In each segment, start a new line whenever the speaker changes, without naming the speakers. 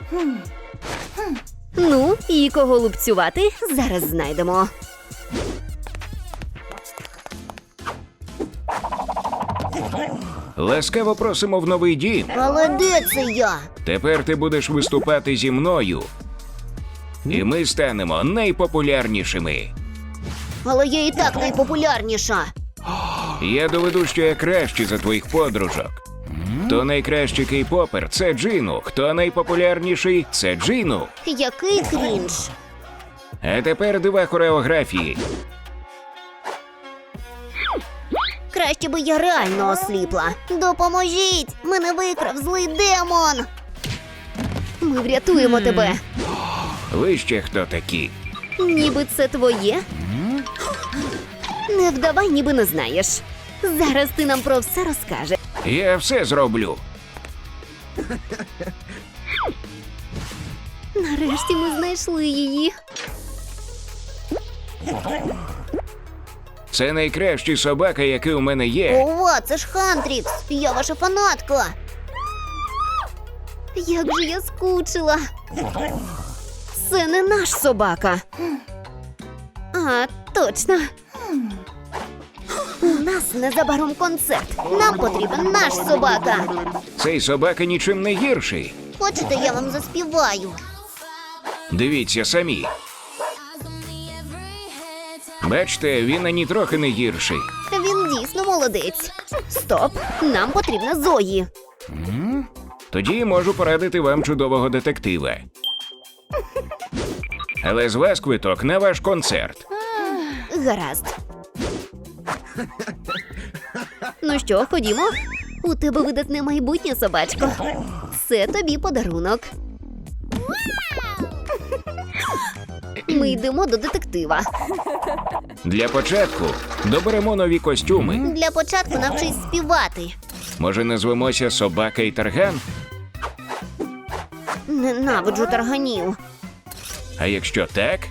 Ну, і кого лупцювати, зараз знайдемо.
Ласкаво просимо в новий дім.
Але де це я?
Тепер ти будеш виступати зі мною. І ми станемо найпопулярнішими.
Але я і так найпопулярніша.
Я доведу, що я кращий за твоїх подружок. Хто найкращий кей-попер – це Джину. Хто найпопулярніший – це Джину.
Який крінж.
А тепер дива хореографії.
Краще би я реально осліпла. Допоможіть! Мене викрав злий демон!
Ми врятуємо тебе.
Ви ще хто такі?
Ніби це твоє? Не вдавай, ніби не знаєш. Зараз ти нам про все розкажеш.
Я все зроблю.
Нарешті ми знайшли її.
Це найкращий собака, який у мене є.
Ова, це ж Хантрікс! Я ваша фанатка!
Як же я скучила. Це не наш собака. А, точно.
У нас незабаром концерт. Нам потрібен наш собака.
Цей собака нічим не гірший.
Хочете, я вам заспіваю?
Дивіться самі. Бачите, він ані трохи не гірший.
Він дійсно молодець.
Стоп, нам потрібна Зої.
Тоді можу порадити вам чудового детектива. Але з вас квиток на ваш концерт.
Гаразд. Ну що, ходімо? У тебе видатне майбутнє, собачко. Це тобі подарунок. Ми йдемо до детектива.
Для початку доберемо нові костюми.
Для початку навчись співати.
Може, назвемося Собака і Тарган?
Ненавиджу тарганів.
А якщо так?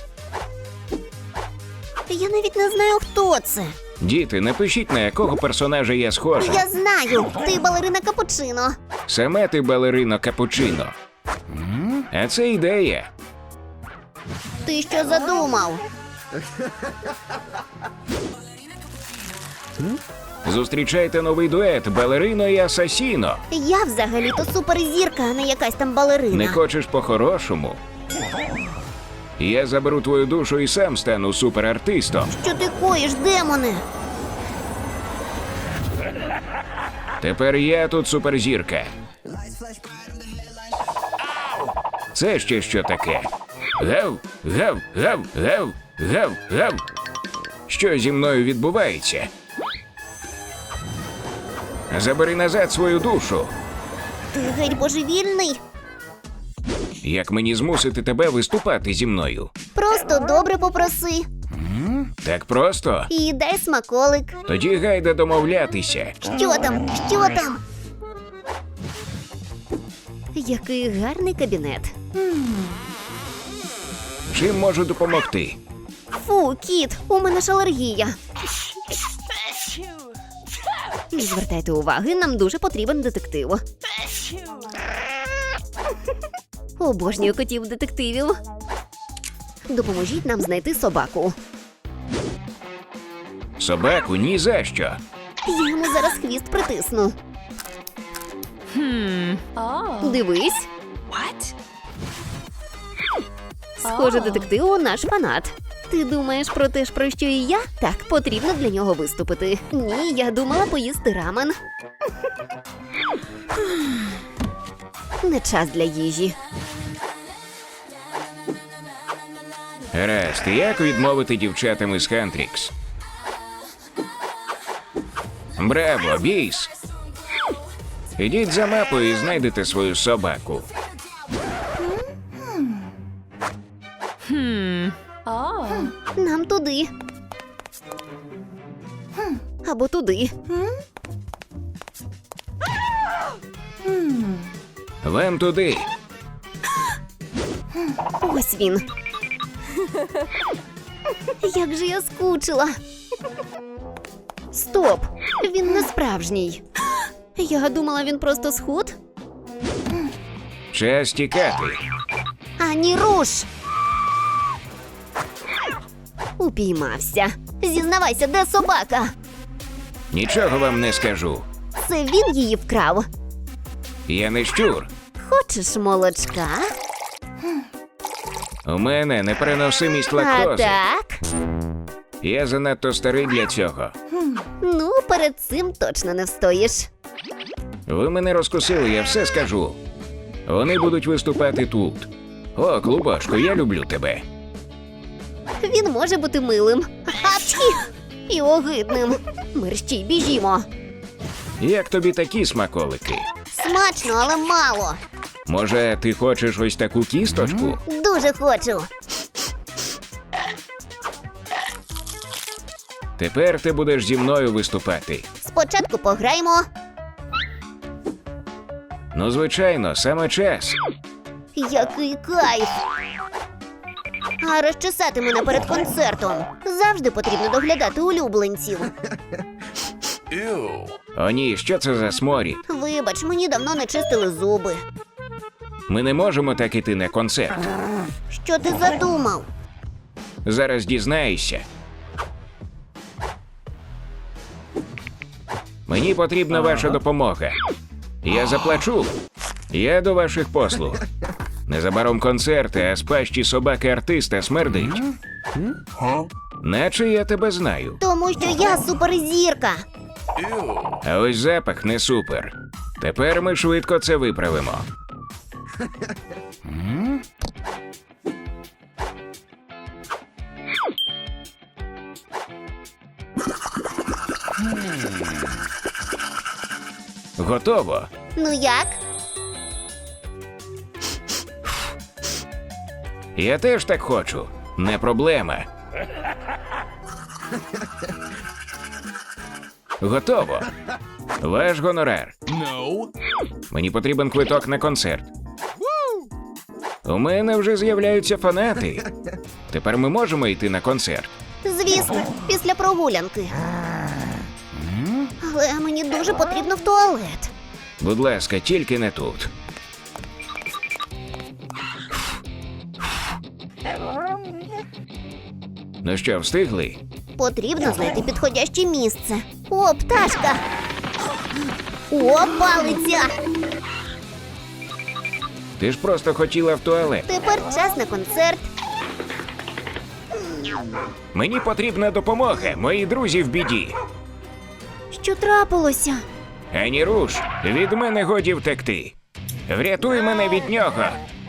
Я навіть не знаю, хто це.
Діти, напишіть, на якого персонажа я схожа.
Я знаю, ти балерина Капучино.
Саме ти балерино Капучино. А це ідея.
Ти що задумав?
Зустрічайте новий дует Балерино і Асасіно.
Я взагалі-то суперзірка, а не якась там балерина.
Не хочеш по-хорошому? Я заберу твою душу і сам стану суперартистом.
Що ти коїш, демоне?
Тепер я тут суперзірка. Це ще що таке? Гав, гав, гав, гав, гав, гав. Що зі мною відбувається? Забери назад свою душу.
Ти геть божевільний?
Як мені змусити тебе виступати зі мною?
Просто добре попроси.
Так просто?
І дай смаколик.
Тоді гайда домовлятися.
Що там? Що там?
Який гарний кабінет.
Чим можу допомогти?
Фу, кіт, у мене ж алергія. Не звертайте уваги, нам дуже потрібен детектив. Обожнюю котів-детективів. Допоможіть нам знайти собаку.
Собаку ні за що.
Я йому зараз хвіст притисну. Дивись. Схоже, детектив наш фанат. Ти думаєш про те ж, про що і я? Так, потрібно для нього виступити. Ні, я думала поїсти рамен. Не час для їжі.
Гаразд, як відмовити дівчатам із Хантрікс? Браво, біс! Ідіть за мапою і знайдете свою собаку.
Нам туди. Або туди.
Вам туди.
Ось він. Як же я скучила. Стоп! Він не справжній. Я думала, він просто схуд.
Час тікати.
Ані руш!
Упіймався.
Зізнавайся, де собака?
Нічого вам не скажу.
Це він її вкрав.
Я не щур.
Хочеш молочка?
У мене непереносимість
А
лактози.
так?
Я занадто старий для цього.
Ну, перед цим точно не встоїш.
Ви мене розкусили, я все скажу. Вони будуть виступати тут. О, Клубашко, я люблю тебе.
Він може бути милим.
Апчхі!
І огидним. Мерщій, біжімо.
Як тобі такі смаколики?
Смачно, але мало.
Може, ти хочеш ось таку кісточку?
Дуже хочу.
Тепер ти будеш зі мною виступати.
Спочатку пограємо.
Ну, звичайно, саме час.
Який кайф! А розчесати мене перед концертом. Завжди потрібно доглядати улюбленців.
О ні, що це за сморід?
Вибач, мені давно не чистили зуби.
Ми не можемо так іти на концерт.
Що ти задумав?
Зараз дізнаєшся. Мені потрібна ваша допомога. Я заплачу. Я до ваших послуг. Незабаром концерти, а з пащі собаки-артиста смердить. Наче я тебе знаю.
Тому що я суперзірка.
А ось запах не супер. Тепер ми швидко це виправимо. Готово.
Ну як?
Я теж так хочу. Не проблема. Готово. Ваш гонорар. Мені потрібен квиток на концерт. У мене вже з'являються фанати. Тепер ми можемо йти на концерт.
Звісно, після прогулянки. Але мені дуже потрібно в туалет.
Будь ласка, тільки не тут. Ну що, встигли?
Потрібно знайти підходяще місце. О, пташка! О, палиця!
Ти ж просто хотіла в туалет.
Тепер час на концерт.
Мені потрібна допомога, мої друзі в біді.
Що трапилося?
Ані руш, від мене годі втекти. Врятуй мене від нього.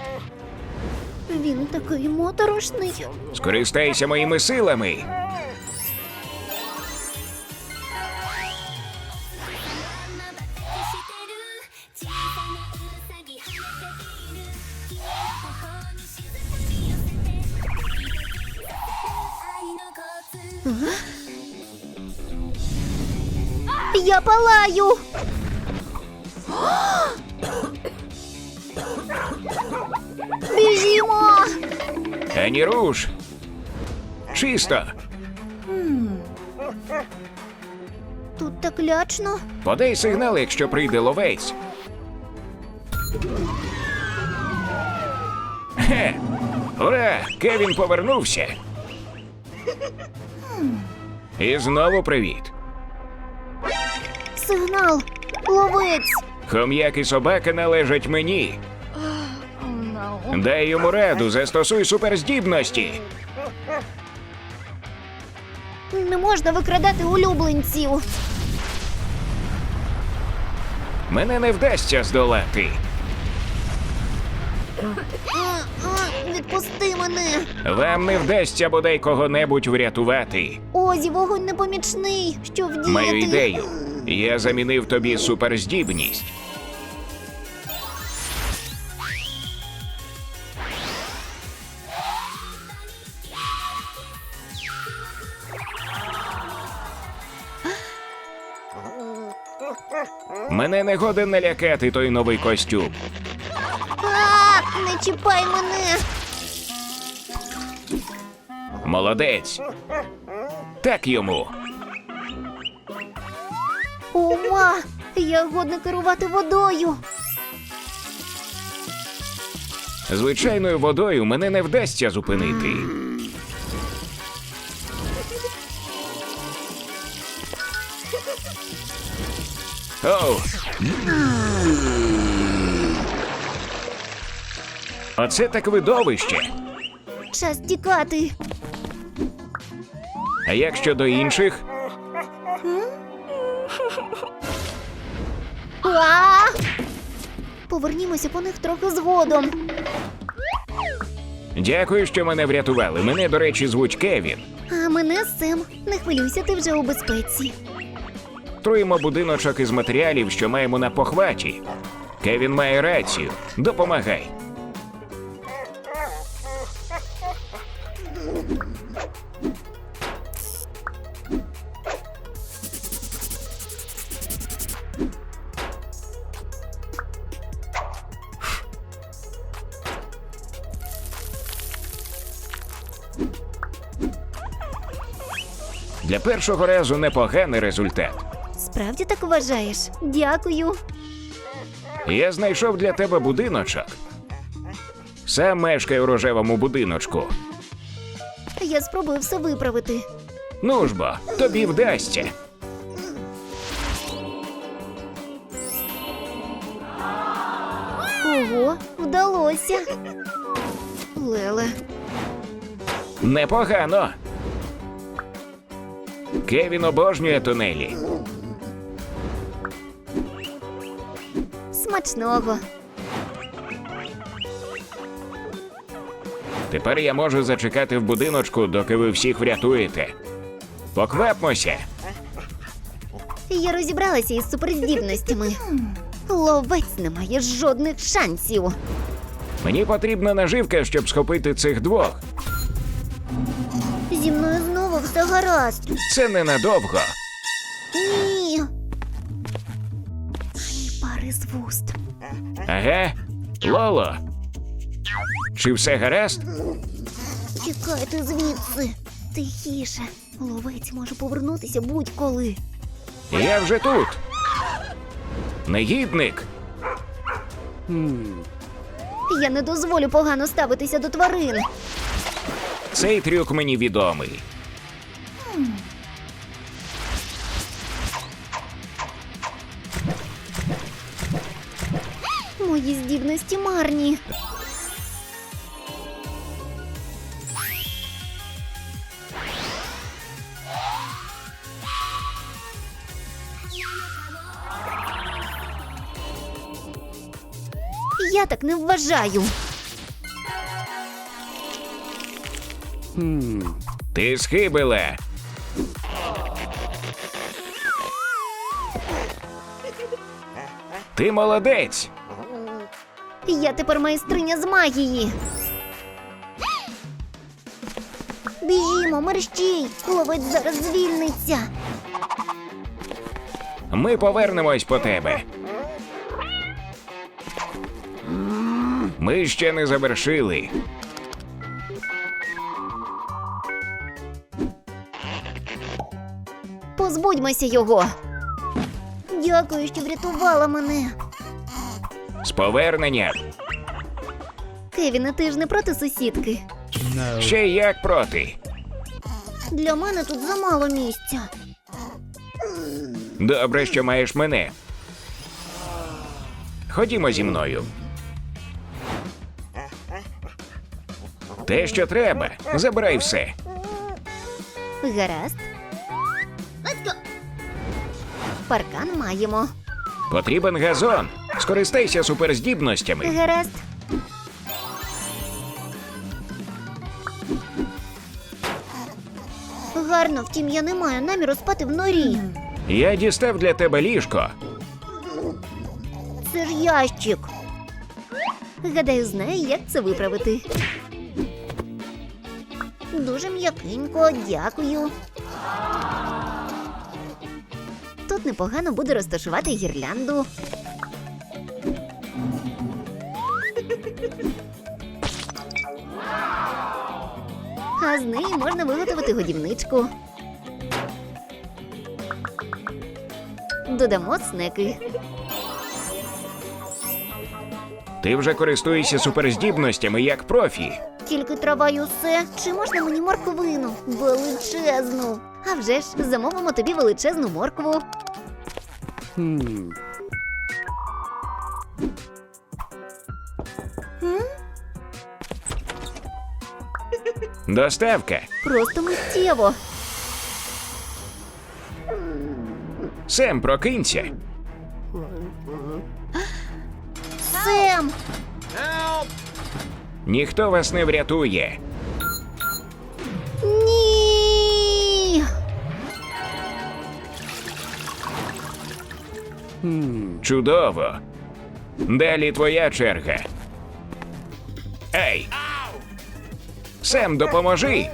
Він такий моторошний.
Скористайся моїми силами.
Я палаю! Біжімо!
Ані руш. Чисто.
Тут так лячно.
Подай сигнал, якщо прийде ловець. Хе! Ура! Кевін повернувся. І знову привіт.
Сигнал! Ловець!
Хом'як і собака належать мені. Дай йому раду, застосуй суперздібності.
Не можна викрадати улюбленців.
Мене не вдасться здолати.
Відпусти мене!
Вам не вдасться бодай кого-небудь врятувати.
Озі, вогонь непомічний. Що вдіяти?
Маю ідею. Я замінив тобі суперздібність. Мене не годен налякати той новий костюм.
Не чіпай мене!
Молодець. Так йому.
Ома! Я годна керувати водою.
Звичайною водою мене не вдасться зупинити. Оу! Оце так видовище.
Час тікати.
А як щодо інших?
А! Повернімося по них трохи згодом.
Дякую, що мене врятували. Мене, до речі, звуть Кевін.
А мене Сем. Не хвилюйся, ти вже у безпеці.
Труємо будиночок із матеріалів, що маємо на похваті. Кевін має рацію. Допомагай. Для першого разу непоганий результат.
Справді так вважаєш? Дякую.
Я знайшов для тебе будиночок. Сам мешкаю у рожевому будиночку.
Я спробую все виправити.
Ну ж бо, тобі вдасться.
Ого, вдалося. Леле.
Непогано. Кевін обожнює тунелі.
Смачного.
Тепер я можу зачекати в будиночку, доки ви всіх врятуєте. Поквапмося.
Я розібралася із суперздібностями. Ловець не має жодних шансів.
Мені потрібна наживка, щоб схопити цих двох.
Зі мною знову все гаразд.
Це ненадовго.
Ні. Ні пари з вуст.
Ага. Лоло. Чи все гаразд?
Тікайте звідси. Тихіше. Ловець може повернутися будь-коли.
Я вже тут. Негідник.
Я не дозволю погано ставитися до тварин.
Цей трюк мені відомий.
Мої здібності марні. Я так не вважаю.
Ти схибила. Ти молодець.
Я тепер майстриня з магії. Біжімо, мерщій! Ловець зараз звільниться.
Ми повернемось по тебе. Ми ще не завершили.
Позбудьмося його. Дякую, що врятувала мене.
З поверненням.
Кевіне, ти ж не проти сусідки?
Ще як проти.
Для мене тут замало місця.
Добре, що маєш мене. Ходімо зі мною. Те, що треба. Забирай все.
Гаразд. Паркан маємо.
Потрібен газон. Скористайся суперздібностями.
Гаразд. Гарно, втім, я не маю наміру спати в норі.
Я дістав для тебе ліжко.
Це ж ящик. Гадаю, знаю, як це виправити. Дуже м'якенько, дякую. Тут непогано буде розташувати гірлянду. А з неї можна виготовити годівничку. Додамо снеки.
Ти вже користуєшся суперздібностями як профі.
Тільки трава й усе. Чи можна мені морквину? Величезну.
А вже ж, замовимо тобі величезну моркву.
Доставка.
Просто миттєво.
Сем, прокинься.
Сем!
Ніхто вас не врятує.
Ні!
Чудово. Далі твоя черга. Ей! Сем, допоможи!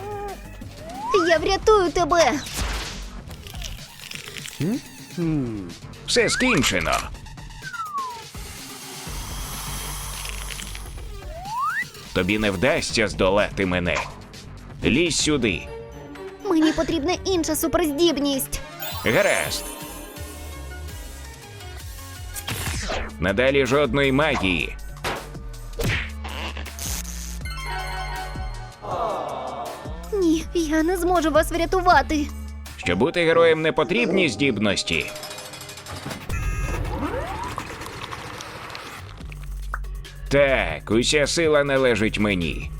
Я врятую тебе!
Все скінчено. Тобі не вдасться здолати мене. Лізь сюди.
Мені потрібна інша суперздібність.
Гаразд. Надалі жодної магії.
Ні, я не зможу вас врятувати.
Щоб бути героєм, не потрібні здібності. Так, уся сила належить мені.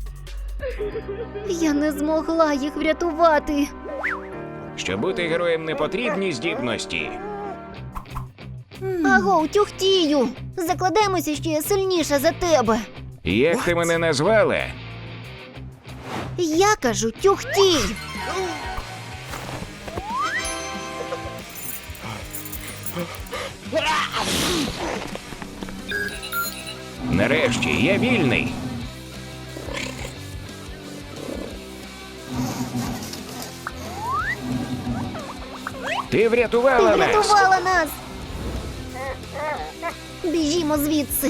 Я не змогла їх врятувати.
Щоб бути героєм, не потрібні здібності.
Агоу, тюхтію! Закладаємося, що я сильніша за тебе.
Як ти мене назвала?
Я кажу тюхтій.
Нарешті, я вільний. Ти
Ти
врятувала нас.
врятувала нас. Біжімо звідси.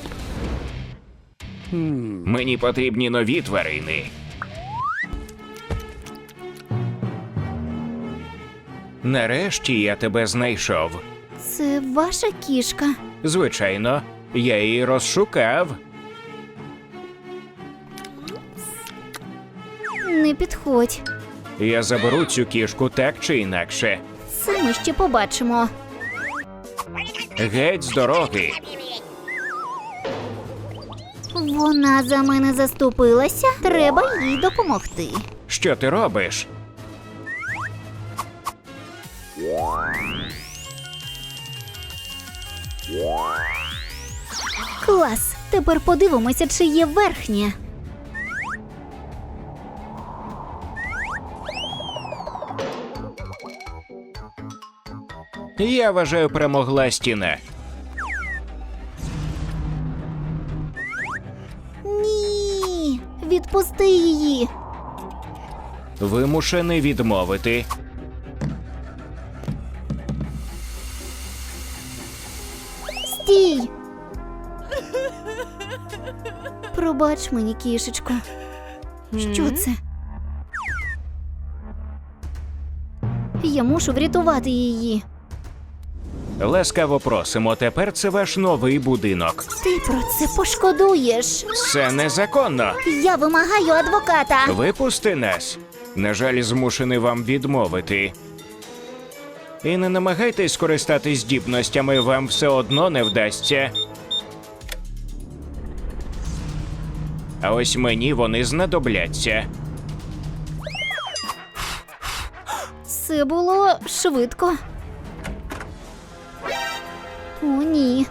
Мені потрібні нові тварини. Нарешті я тебе знайшов.
Це ваша кішка.
Звичайно, я її розшукав.
Не підходь.
Я заберу цю кішку так чи інакше.
Це ми ще побачимо.
Геть з дороги.
Вона за мене заступилася. Треба їй допомогти.
Що ти робиш?
Клас. Тепер подивимося, чи є верхнє.
Я вважаю, перемогла стіна.
Ні. Відпусти її.
Вимушений відмовити.
Стій. Пробач мені, кішечко. Що це? Я мушу врятувати її.
Ласкаво просимо, тепер це ваш новий будинок.
Ти про це пошкодуєш.
Це незаконно.
Я вимагаю адвоката.
Випусти нас. На жаль, змушений вам відмовити. І не намагайтесь скористатись здібностями, вам все одно не вдасться. А ось мені вони знадобляться.
Це було швидко. О, ні.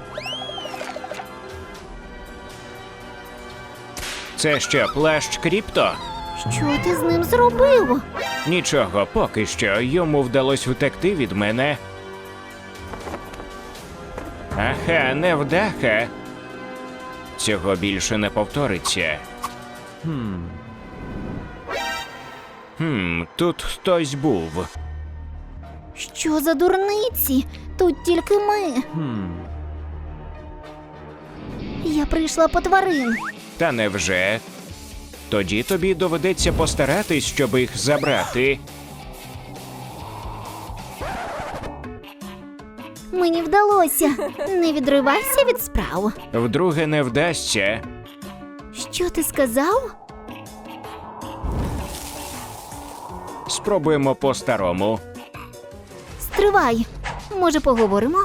Це що, плащ Кріпто?
Що ти з ним зробив?
Нічого, поки що. Йому вдалося втекти від мене. Аха, невдаха. Цього більше не повториться. Тут хтось був.
Що за дурниці? Тут тільки ми. Я прийшла по тварин.
Та невже? Тоді тобі доведеться постаратись, щоб їх забрати.
Мені вдалося. Не відривайся від справ.
Вдруге не вдасться.
Що ти сказав?
Спробуємо по-старому.
Стривай. Може, поговоримо?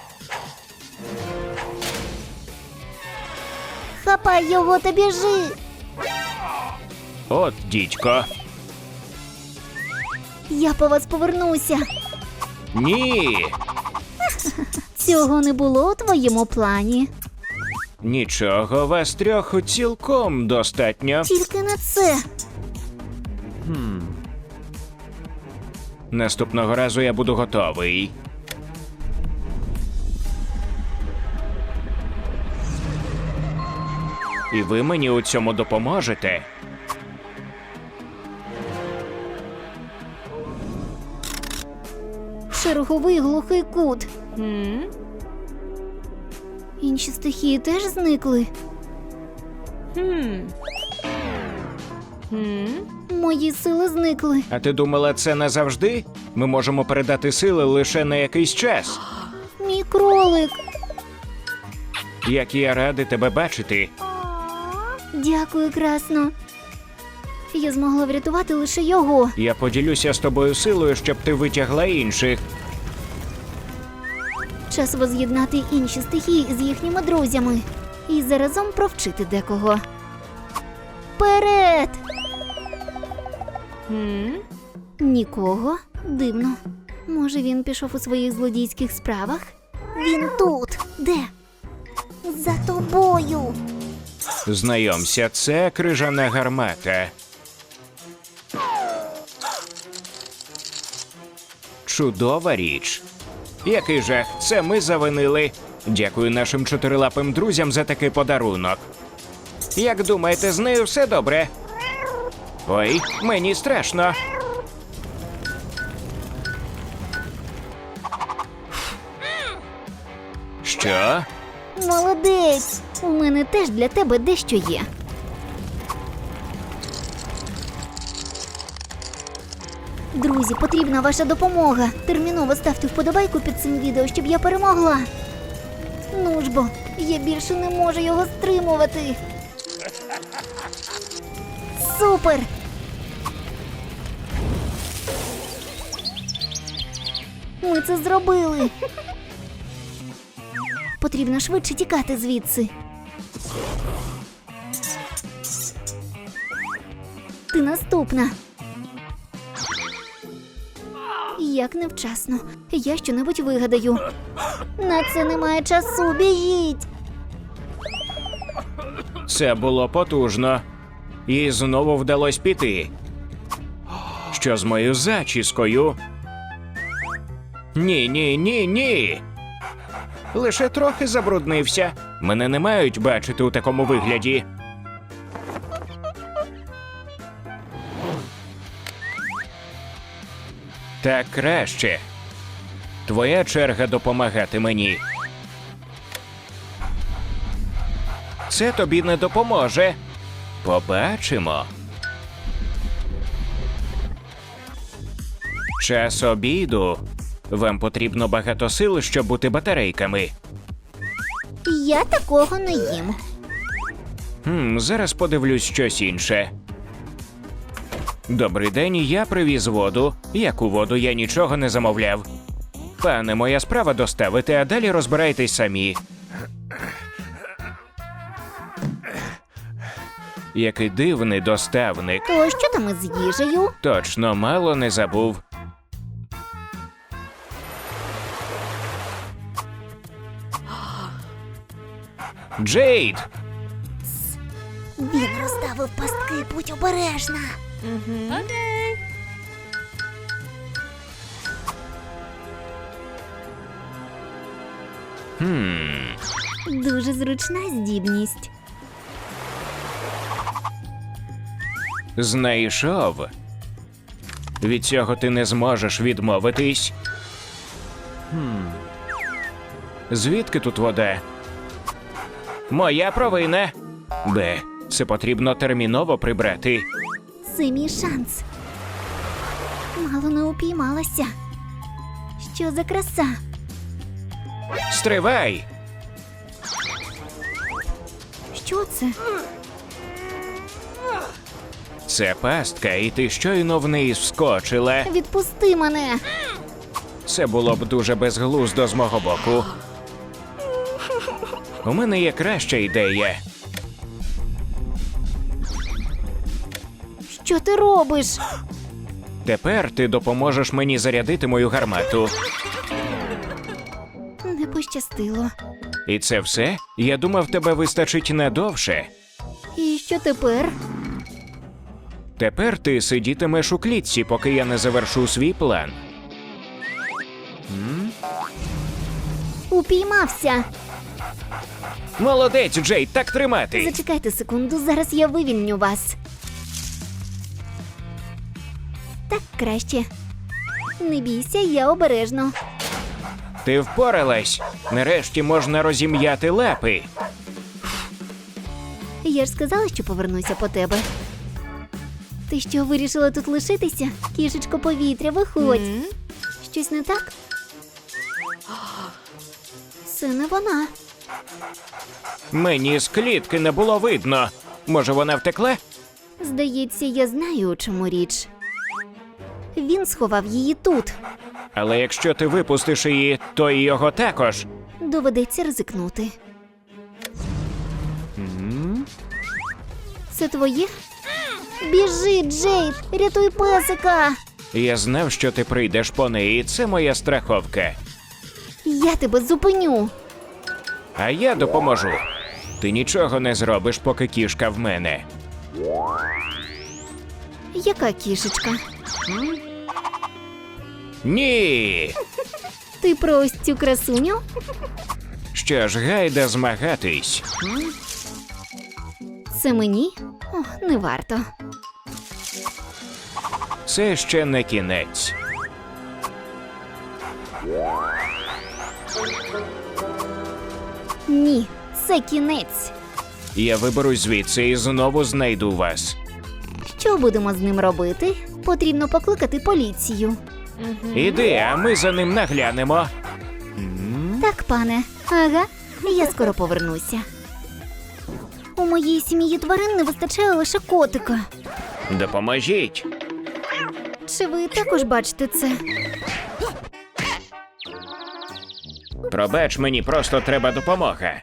Хапай його та біжи.
От, дідько.
Я по вас повернуся.
Ні!
Цього не було у твоєму плані.
Нічого, вас трьох цілком достатньо.
Тільки не це.
Наступного разу я буду готовий. І ви мені у цьому допоможете.
Черговий глухий кут. Інші стихії теж зникли. Мої сили зникли.
А ти думала, це назавжди? Ми можемо передати сили лише на якийсь час.
Мій кролик.
Як я радий тебе бачити.
Дякую, красно. Я змогла врятувати лише його.
Я поділюся з тобою силою, щоб ти витягла інших.
Час воз'єднати інші стихії з їхніми друзями. І заразом провчити декого. Вперед! Нікого? Дивно. Може, він пішов у своїх злодійських справах? Він тут. Де? За тобою.
Знайомся, це крижана гармата. Чудова річ. Який жах, це ми завинили. Дякую нашим чотирилапим друзям за такий подарунок. Як думаєте, з нею все добре? Ой, мені страшно. Що?
Молодець! У мене теж для тебе дещо є. Друзі, потрібна ваша допомога. Терміново ставте вподобайку під цим відео, щоб я перемогла. Ну ж бо, я більше не можу його стримувати. Супер! Ми це зробили. Потрібно швидше тікати звідси. Ти наступна. Як невчасно. Я щонебудь вигадаю. На це немає часу. Біжіть!
Це було потужно. І знову вдалося піти. Що з моєю зачіскою? Ні, ні, ні, ні. Лише трохи забруднився. Мене не мають бачити у такому вигляді. Так краще. Твоя черга допомагати мені. Це тобі не допоможе. Побачимо. Час обіду. Вам потрібно багато сил, щоб бути батарейками.
Я такого не їм.
Зараз подивлюсь щось інше. Добрий день, я привіз воду. Яку воду, я нічого не замовляв. Пане, моя справа доставити, а далі розбирайтесь самі. Який дивний доставник.
То що там із їжею?
Точно, мало не забув. Джейд!
Він розставив пастки, будь обережна. Дуже зручна здібність.
Знайшов. Від цього ти не зможеш відмовитись. Звідки тут вода? Моя провина. Б. Це потрібно терміново прибрати.
Це мій шанс. Мало не упіймалася. Що за краса?
Стривай!
Що це?
Це пастка, і ти щойно в неї вскочила.
Відпусти мене.
Це було б дуже безглуздо з мого боку. У мене є краща ідея.
Що ти робиш?
Тепер ти допоможеш мені зарядити мою гармату.
Не пощастило.
І це все? Я думав, тебе вистачить надовше.
І що тепер?
Тепер ти сидітимеш у клітці, поки я не завершу свій план.
Упіймався.
Молодець, Джей, так тримати!
Зачекайте секунду, зараз я вивільню вас. Так краще. Не бійся, я обережно.
Ти впоралась. Нарешті можна розім'яти лапи.
Я ж сказала, що повернуся по тебе. Ти що, вирішила тут лишитися? Кішечко повітря, виходь. Щось не так? Це не вона.
Мені з клітки не було видно. Може, вона втекла?
Здається, я знаю, у чому річ. Він сховав її тут.
Але якщо ти випустиш її, то і його також.
Доведеться ризикнути. Це твоє? Біжи, Джейд! Рятуй песика!
Я знав, що ти прийдеш по неї, це моя страховка.
Я тебе зупиню!
А я допоможу. Ти нічого не зробиш, поки кішка в мене.
Яка кішечка?
Ні!
Ти про ось цю красуню?
Що ж, гайда змагатись.
Це мені? О, не варто.
Це ще не кінець.
Ні, це кінець.
Я виберусь звідси і знову знайду вас.
Що будемо з ним робити? Потрібно покликати поліцію.
Іди, а ми за ним наглянемо.
Так, пане. Ага, я скоро повернуся. У моїй сім'ї тварин не вистачає лише котика.
Допоможіть.
Чи ви також бачите це?
Пробач, мені просто треба допомога.